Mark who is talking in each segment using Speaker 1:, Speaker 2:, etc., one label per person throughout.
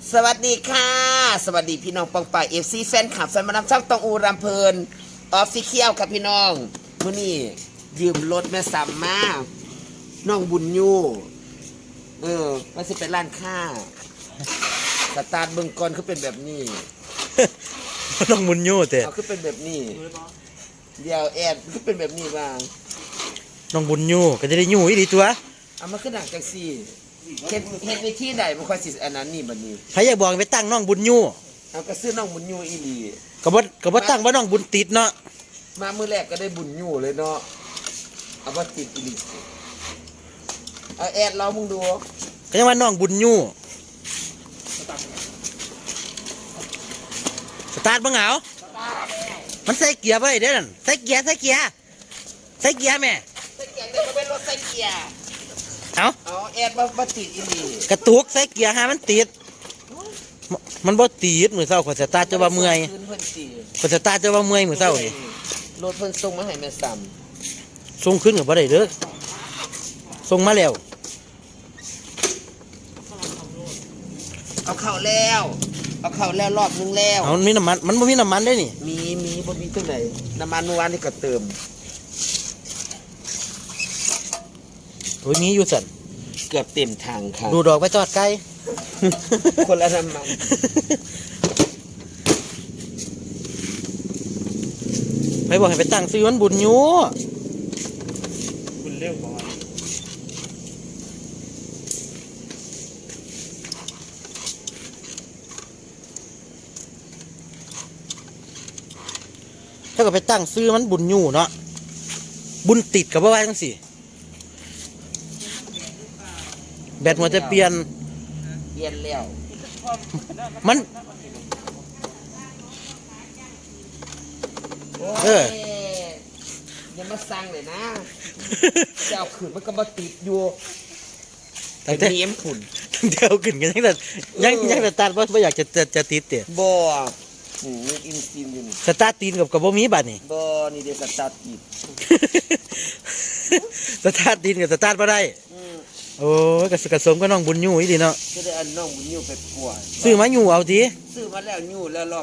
Speaker 1: สวัสดีค่ะสวัสดีพี่น้องปองป่ายFCแฟนคลับแฟนมาดามช่างตองอูรำเพลินออฟฟิเชียลครับพี่น้องมื้อนี้ยืมรถแม่ซ้ำมาน้องบุญยูมันสิเป็นร้านค้าสตาร์ทเบิ่งก่อนคือเป็นแบบนี้
Speaker 2: น้องมุนยูแต่
Speaker 1: คือเป็นแบบนี้เดี๋ยวแอดคือเป็นแบบนี้บ้าง
Speaker 2: น้องบุญยูก็จะได้ยูอีดีตัว
Speaker 1: เอามาขึ้นหนังจังซี่เฮ็ดวิธีใดบ่ค่อยสิอันนั้นนี่บัดนี้
Speaker 2: ใครอยากบอกไปตั้งน้องบุญยู
Speaker 1: เอาก็ซื้อน้องบุญยูอีหลี
Speaker 2: ก็บ่ตั้งว่าน้องบุญติดเนาะ
Speaker 1: มามื้อแรกก็ได้บุญยูเลยเนาะเอาบ่ติดอีหลีเอาแอดเรามึงดู
Speaker 2: ก็ยังว่าน้องบุญยูสตาร์ทบ่เหงามันใส่เกียร์ไว้เด้อนั่นใส่เกียร์แม่ใส่เกียร์ได้บ่เป็นรถใส่เกียร์เอา
Speaker 1: แอดบ่ติดอีหลี
Speaker 2: กระตุกใส่เกียร์หามันติดมันบ่ติดมื้อเช้าข่อยสตาร์ทจะว่าเมื่อยข่อยสตาร์ทจะว่าเมื่อยมื้อเช้านี่
Speaker 1: รถเพิ่นส่งมาให้แม่ซ้
Speaker 2: ำส่งขึ้นก็บ่ได้เด้อส่งมาแล้ว
Speaker 1: เอาเข้าแล้วรอบนึงแล้ว
Speaker 2: เอามีน้ำมันบ่มีน้ำมันได้นี่
Speaker 1: มีบ่มีจังได๋น้ำมันเมื่อวานนี่ก็เติม
Speaker 2: โอ้ยมีอยู่สั่น
Speaker 1: เกือบเต็มถังค่ะ
Speaker 2: ดูดอกไปจอดไกล
Speaker 1: คนละน้ำมัน
Speaker 2: ไปบอกให้ไปตั้งซื้อมันบุญยู
Speaker 3: คุณเร็วกว่า
Speaker 2: ถ้าก็ไปตั้งซื้อมันบุญยูเนาะบุญติดกับว่าจังสิแบตมันจะเปลี่ยน
Speaker 1: แล้ว
Speaker 2: มัน
Speaker 1: อย่ามาสั่งเลยนะเจ้าขืนมันก็มาติดอยู่
Speaker 2: แต่เนี้ยฝุ่นเดี๋ยวขึ้นกันยังแต่ตัดว่าอยากจะติดเตะ
Speaker 1: บ่อินซีนอยู่
Speaker 2: สตาร์ทตีนกับบ่มีบัตรนี่
Speaker 1: บ่นี่เดี๋ยวสตาร์ทติด
Speaker 2: สตาร์ทตีนกับสตาร์ทบ่ได้โอ้ยกระสมก็น้องบุญยูอีดีเนาะ
Speaker 1: จะได้อันน้องบุญยูไปป่วย
Speaker 2: ซื้อมายูเอาที
Speaker 1: ซื้อมาแล้วยูแล้วรอบ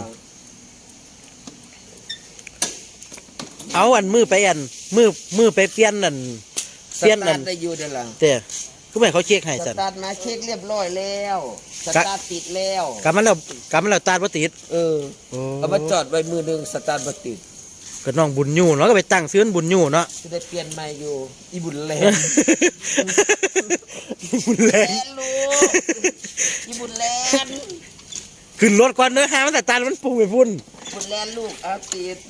Speaker 2: เอาอันมือไปอันมือไปเปลี่ยนอัน
Speaker 1: ได้อยู่เด้อล่ะ
Speaker 2: แต่คือไม่เขาเช็คให้
Speaker 1: สตาร์ทมาเช็คเรียบร้อยแล้วสตาร์ทติดแล้ว
Speaker 2: กำมันเราตาร์ทบ่ติด
Speaker 1: เอามาจอดไว้มือนึงสตาร์ทบ่ติด
Speaker 2: ก็น้องบุญยูเนาะก็ไปตั้งซื้อบุญยูเนาะ
Speaker 1: จะได้เปลี่ยนใหม่อยู่อีบุญแลน
Speaker 2: บุญแลน
Speaker 1: ลูกอีบุญแลน
Speaker 2: ขึ้นรถก่อนเนื้อหามันแต่ตามันปุ่งไปพุ่น
Speaker 1: บุญแลนลูกเอาติด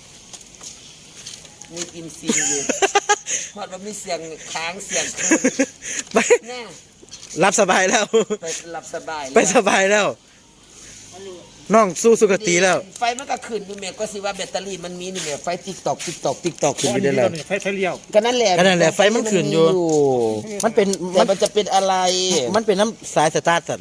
Speaker 1: มีกินซีอยู่พอดว่ามีเสียงค้างเสียง
Speaker 2: ไปรับสบายแล้ว
Speaker 1: ไปรับสบาย
Speaker 2: ไปสบายแล้วน้องสู้สุขตีแล้ว
Speaker 1: ไฟมันก็ขึ้นอยู่แม่ก็สิว่าแบตเตอรี่มันมีนี่แม่ไฟติ๊กตอกขึ้นไปได้แล้ว
Speaker 3: ไฟเลี้ยว
Speaker 1: ก็นั่นแหละ
Speaker 2: ไฟมันขึ้นอยู่มัน
Speaker 1: จะเป็นอะไร
Speaker 2: มันเป็นน้ำสายสตาร์ทสั่น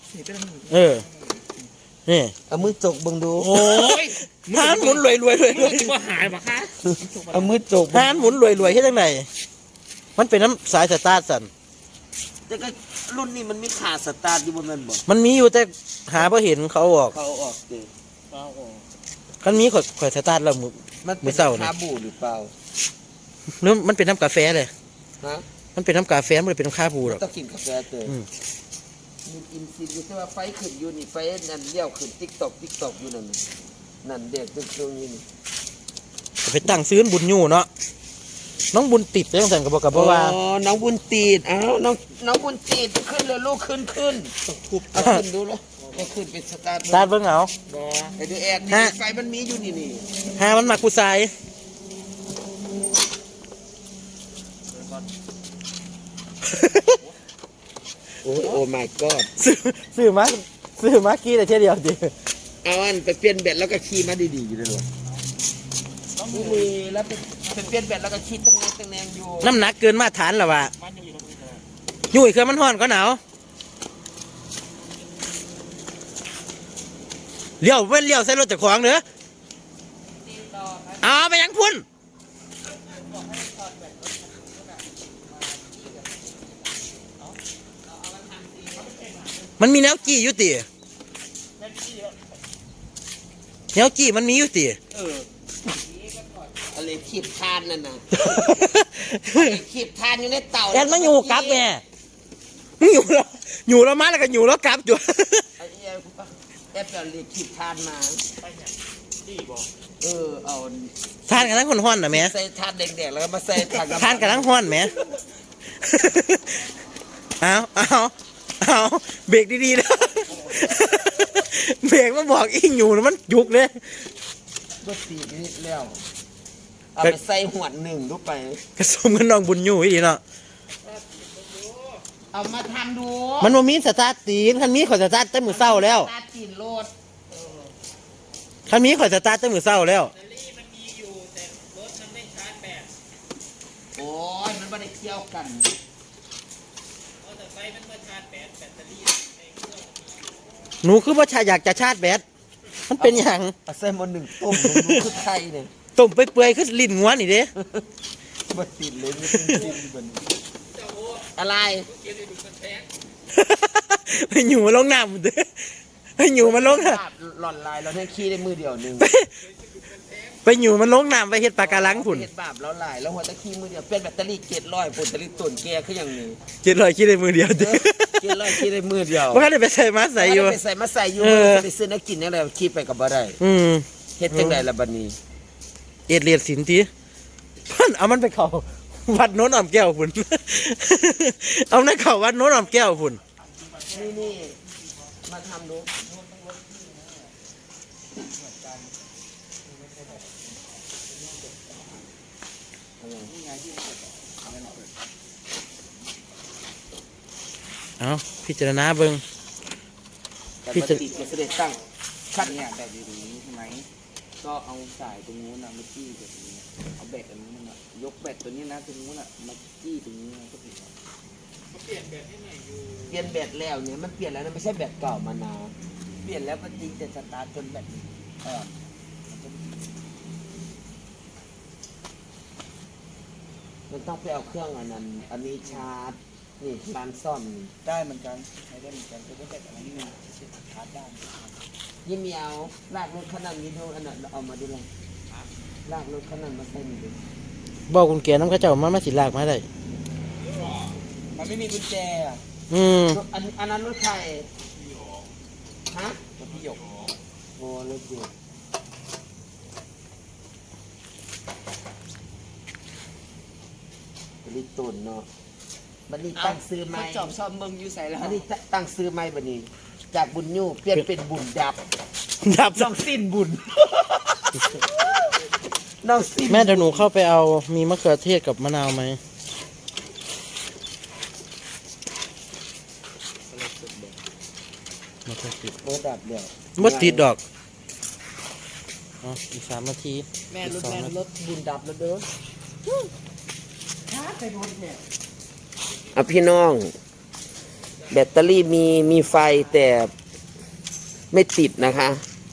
Speaker 2: นี่
Speaker 1: เอามือจกบังดู
Speaker 2: โอ้ยหานหมุนรวย
Speaker 3: ว่าหายปะคะ
Speaker 1: เอามือจก
Speaker 2: หานหมุนรวยที่ตรงไหนมันเป็นน้ำสายสตาร์ทสั่น
Speaker 1: แต่ก็รุ่นนี้มันมีขาสตาร์ทอยู่บนนั้นบ่
Speaker 2: มันมีอยู่แต่หาพอเห็นเขาออก
Speaker 1: ดิ
Speaker 2: กันมีข่อยสตาร์ทแล้ว
Speaker 1: มันเป็นคาบูหรือเปล่า
Speaker 2: หรือมันเป็นน้ำกาแฟเลย
Speaker 1: ฮะ
Speaker 2: มันเป็นน้ำกาแฟมันเป็นน้ำคาบูหรอก
Speaker 1: ต้องกินกาแฟเตยมีอินซีอยู่แต่ว่าไฟขึ้นอยู่นี่ไฟนั่นเลี้ยวขึ้นติ๊กตอกอยู่นั่นเด็กตึ้งอยู่นี่
Speaker 2: ไปตั้งซื้อบุญยูเนาะน้องบุญติดเลยตั้งแต่กับว่า
Speaker 1: น้องบุญติดน้องบุญติดขึ้นเลยลูกขึ้นเอาขึ้นดูแล้วก็ขึ้นเป็นสตาร์ท
Speaker 2: เบิ้งเอา
Speaker 1: ไปดูแอดไฟมันมีอยู่นี่
Speaker 2: หามันมากูใส่
Speaker 1: โอ้ my god
Speaker 2: ซื้อมาขี่แต่เท่เดียวดิ
Speaker 1: เอาอันไปเปลี่ยนแบตแล้วก็ขี่มาดีๆอยู่เลยมีแล้วไปเปลี่ยนแบตแล้วก็ขี่ตั้งแนงอยู่
Speaker 2: น้ำหนักเกินมาตรฐานหรอวะยุ่ยเครื่องมันห่อนก็หนาวเลี้ยวใส่รถจากขวางเนอะเอาไปยังพุ่น มมันมีแนวจี้อยู่ติแนวจี้มันมีอยู่ติ
Speaker 1: อะไรขีบทานนั่นน่ะขีบทานอยู่ในเต่า
Speaker 2: แอนมันอยู่กลับแม่มึงอยู่แล้วมาแล้วก็อยู่แล้วกลับอยู่
Speaker 1: ไอ้แอบเอาเรียกขีบทานมาเอา
Speaker 2: ทานกันทั้งคนห้อนนะแม่
Speaker 1: ใส่ทานแดงๆแล้วก็มาใส่ทาน
Speaker 2: ทานกันทั้งห้อนแม่เอาเบรกดีๆนะเบรกมาบอกอีอยู่แล้วมันยุกเลย
Speaker 1: ก็ตีนิดแล้วเอาไปใส่หวดหนึ่งดูไป
Speaker 2: กระสมกันน้องบุญอยู่อีเนาะ
Speaker 1: เอามาทำดู
Speaker 2: มันบ่มีสตาร์ทตีนคันนี้ข่อยสตาร์ทแต่มือเศร้าแล้ว
Speaker 1: ตาจีนโลด
Speaker 2: คันนี้ข่อยสตาร์ทแต่มือเศร้าแล้ว
Speaker 1: โอ้ยมันไม่ได้เกี่ยวกัน
Speaker 2: หนูคือว่าชายอยากจะชาร์จแบตมันเป็นอย่าง
Speaker 1: เอาใส่หมดหนึ่งต้มดูคือไทยเนี่ย
Speaker 2: ต้มไปเปื่อยๆคือลิ้นงัวนี่เด้
Speaker 1: บัดติดเลยไม่เป็นจริงบัดนี้อะไร
Speaker 2: ไปอยู่มาลงน้ำเด้ไปอยู่มาลงน้
Speaker 1: หล่อนลายเราให้ขี้ได้มือเดียวหนึ่ง
Speaker 2: ำไปอยู่มาลงน้ำไปเฮ็ดปลาการังผุ่น
Speaker 1: เห็ดบาปแล้วลายแล้วหัวตะขี้มือเดียวเป็นแบตเตอรี่700ปุ่นแบตเตอรี่ตุ่นแกคืออย่างนี้
Speaker 2: 700คิดได้มือเดียวเด้
Speaker 1: 700ขี้ได้มือเดียว
Speaker 2: ว่าได้ไปใส่มาใส่อยู่
Speaker 1: ไปใส่มาใส่อยู่ไปซื้อนักกินอะไรขี้ไปกับบ่ได้ เฮ็ดจังไดล่ะบัดนี้
Speaker 2: เอ็ดเลียดสินทีเพิ่นเอามันไปเข้าวัดโน้นอ่อมแก้วพุ่น เอานั่นเข้าวัดโน้นอ่อมแก้วพุ่น
Speaker 1: นี่มาทำดู
Speaker 2: เอาพิจารณาเบิ่ง
Speaker 1: แต่
Speaker 2: พี่
Speaker 1: ป
Speaker 2: จะ
Speaker 1: กติจะเสด็จตั้งขั้น
Speaker 3: เนี่ยแบบอยู่ตรงนี้ใช่ไหม ก็เอาสายตรงนู้นนะมาจี้แบบนี้ เอาแบตตรงนู้นนะยกแบตตัวนี้นะตรงนู้นนะมาจี้ตรงนี้นะก็ผิดแล้ว
Speaker 1: เปลี่ยนแบตแล้วเนี่ยมันเปลี่ยนแล้วนะไม่ใช่แบตเก่ามานานเปลี่ยนแล้วมันจริงแต่สตาร์ทจนแบตมันต้องไปเอาเครื่องอันนั้นอันนี้ชาร์จนี่ร้านซ่อมนี่
Speaker 3: ได้เหมือนกันใช้ได้เหมือนกันก็แบตอะไรนี่นะชาร์จได้
Speaker 1: ยิ่งมีเอาลากรถขนาดนี้ดูอันนั้นเอามาดูเลยลากรถขนาดมาใส่นี่ดู
Speaker 2: บอกคุณแกน้ำกระเจ้ามาสิลากมาได้
Speaker 3: มันไม่มีกุญแจอ่ะ
Speaker 1: อันนั้นรถใครฮะ
Speaker 3: ตัวพี่หยก
Speaker 1: โอ้รถเด็กลิตุนเนาะบันนี้ตั้งซื้อใหม่
Speaker 3: จอบชอบมึงอยู่ใส่แล้ว
Speaker 1: บันนี้ตั้งซื้อใหม่บันนี้ จากบุญยูเปลี่ยนเป็นบุญดับ
Speaker 2: ดับ
Speaker 1: น้องสิ้นบุญ น้องสิ้น
Speaker 2: แม่เดี๋ยวหนูเข้าไปเอามีมะเขือเทศกับมะนาวไหมมะเขือเทศ
Speaker 1: โอ้ดับเดียว
Speaker 2: บ่ติดดอกอ๋ออีก3 นาที
Speaker 1: แม่
Speaker 2: อี
Speaker 1: ร
Speaker 2: ก
Speaker 1: ถ
Speaker 2: 2
Speaker 1: แม่
Speaker 2: นาที
Speaker 1: รถบุญดับแล้วเด้อช้าไปรถเนี่ยอ่ะพี่น้อง แบตเตอรี่มีไฟแต่ไม่ติดนะคะ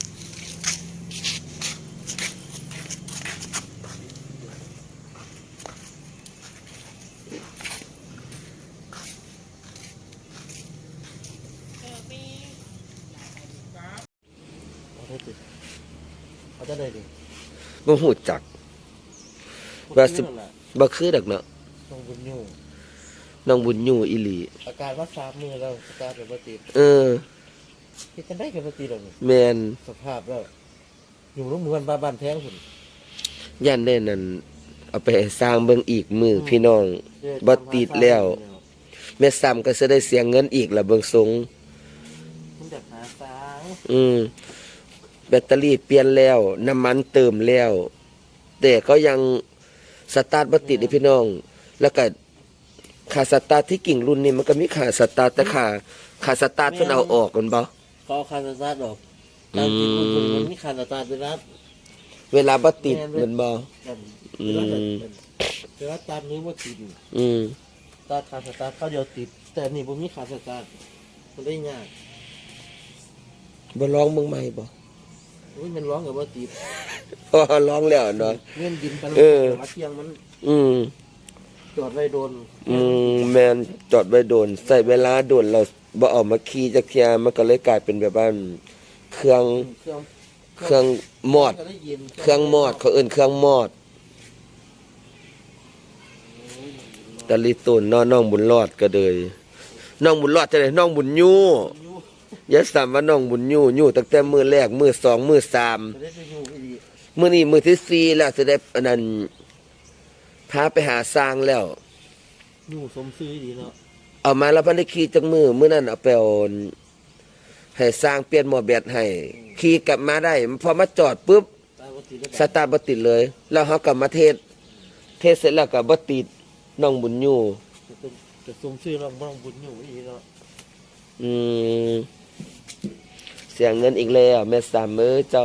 Speaker 2: เอาจะได้ดิ
Speaker 1: บ่หูจักว่าสิบ่คือดักเนาะ
Speaker 2: ต้องบุญอยู่
Speaker 1: น้องบุญยูอีหลี
Speaker 2: อาการว่า3 มื้อแล้วอาการเป็นบ่ติด
Speaker 1: เออ
Speaker 2: เฮ็ดจังได๋ก็บ่ติดดอกนี่
Speaker 1: แมน
Speaker 2: สภาพแล้วอยู่โรงเรียนบ้านแพงพุ่น
Speaker 1: ย่านได้นั่นเอาไปให้สร้างเบิ่งอีกมือพี่น้องบ่ติดแล้ว แม่ซ้ำก็สิได้เสียเงินอีกละเบิ่งทรง
Speaker 2: มันอยากหาสาง
Speaker 1: แบตเตอรี่เปลี่ยนแล้ว น้ำมันเติมแล้ว แต่ก็ยังสตาร์ทบ่ติดเลยพี่น้อง แล้วก็ค่าสตาร์ทที่กิ่งรุ่นนี้มันก็มีค่าสตาร์ทแต่ค่าสตาร์ทเพิ่นเอาออกกันบ่
Speaker 2: เขาเอาคาสตาร์ทออกตามที่คุณมันมีคาสตาร์ทด้วยนะ
Speaker 1: เวลาบ่ติดแมันบ่
Speaker 2: แต่ว่าตามนี้ว่าติด
Speaker 1: อืม
Speaker 2: ตาคาสตาร์ทเขาเดียวติด แต่นี่ผมมีคาสตาร์ทมันได้ยาก
Speaker 1: บ่ลองเบิ่งใหม่บ่
Speaker 2: อุ้ยมันร้องกับว่าติด
Speaker 1: พอลองแล้วเนาะ
Speaker 2: เงื่อนดินไป
Speaker 1: เออ
Speaker 2: มาเที่ยงมัน
Speaker 1: อืม
Speaker 2: จอดไว้โดน
Speaker 1: แมนจอดไว้โดน ใส่เวลาโดนเราบ่ออกมาขี่จักเที่ยมันก็เลยกลายเป็นแบบว่าเครื่อง
Speaker 2: เครื่อง
Speaker 1: มอด
Speaker 2: ก็ได้ยิน
Speaker 1: เครื่องมอดเขาเอิ้นเครื่องมอดตะลิตุนน้องบุญรอดก็เลยน้องบุญรอดจะได้น้องบุญยูอย่าสามว่าน้องบุญยูตั้งแต่มื้อแรกมื้อ2มื้อ3
Speaker 2: จะได้ไปอยู่อีหลี
Speaker 1: มื้อนี้มื้อที่4แล้วสิได้อันนั้นพาไปหาสร้างแล้ว
Speaker 2: อยู่สมซื้ออีหลีเนาะ
Speaker 1: เอามาแล้วพันได้ขี่จักมื้อนั้นเอาไปเอาให้สร้างเปลี่ยนหม้อแบตให้ขี่กลับมาได้พอมาจอดปุ๊บ
Speaker 2: ตายบ่ติดแล้ว
Speaker 1: สตาร์ทบ่ติดเลย แล้วเฮากลับมาเทศเสร็จแล้วก็บ่ติดน้องบุญอยู่
Speaker 2: จะสมซื้อเราบ่ต้องบุญอยู่อีหลีเนาะ
Speaker 1: อืมเสียเงินอีกแล้วแม่สามมื้อเจ้า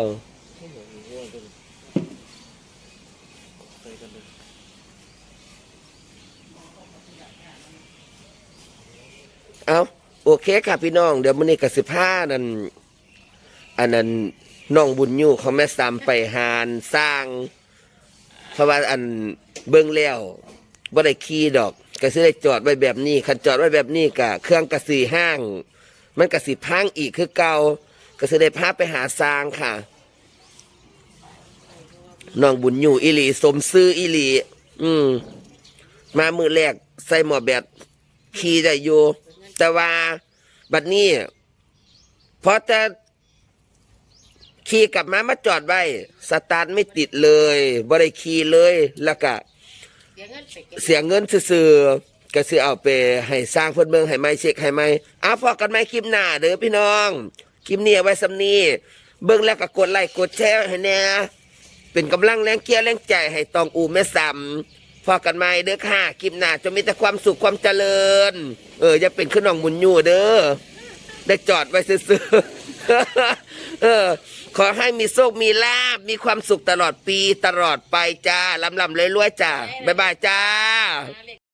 Speaker 2: ใส่กันเลย
Speaker 1: เอาโอเคค่ะพี่น้อง เดี๋ยวมื้อนี้ก็สิพานั่นอันนั้นน้องบุญอยู่เขาแม่สามไปหานสร้าง เพราะว่าอันเบิ่งแล้วบ่ได้ขี่ดอกก็สิได้จอดไว้แบบนี้คันจอดไว้แบบนี้ก็เครื่องก็สิห้าง มันก็สิพังอีกคือเก่าก็สิได้พาไปหาสร้างค่ะน้องบุญอยู่อีหลีสมซื้ออีหลีมามื้อแรกใส่หมอแบตขี่ได้อยู่แต่ว่าบัดนี้พอจะขี่กลับมาจอดไว้สตาร์ทไม่ติดเลยบ่ได้ขี่เลยแล้วก็เสียเงินซื่อๆก็สิเอาไปให้สร้างเพิ่นเบิ่งให้ไหมเช็คให้ไหมพอกันไหมคลิปหน้าเด้อพี่น้องคลิปนี้เอาไว้สำนี้เบิ่งแล้วก็กดไลค์กดแชร์ให้แน่เป็นกำลังแรงเกียร์แรงใจให้ตองอูแม่ซ้ำพอกันไหมเด้อค่ะคลิปหน้าจะมีแต่ความสุขความเจริญอย่าเป็นขึ้นน้องบุญอยู่เด้อได้จอดไว้ซื่อๆขอให้มีโชคมีลาภมีความสุขตลอดปีตลอดไปจ้าลำๆรวยๆจ้าบ๊ายบายจ้า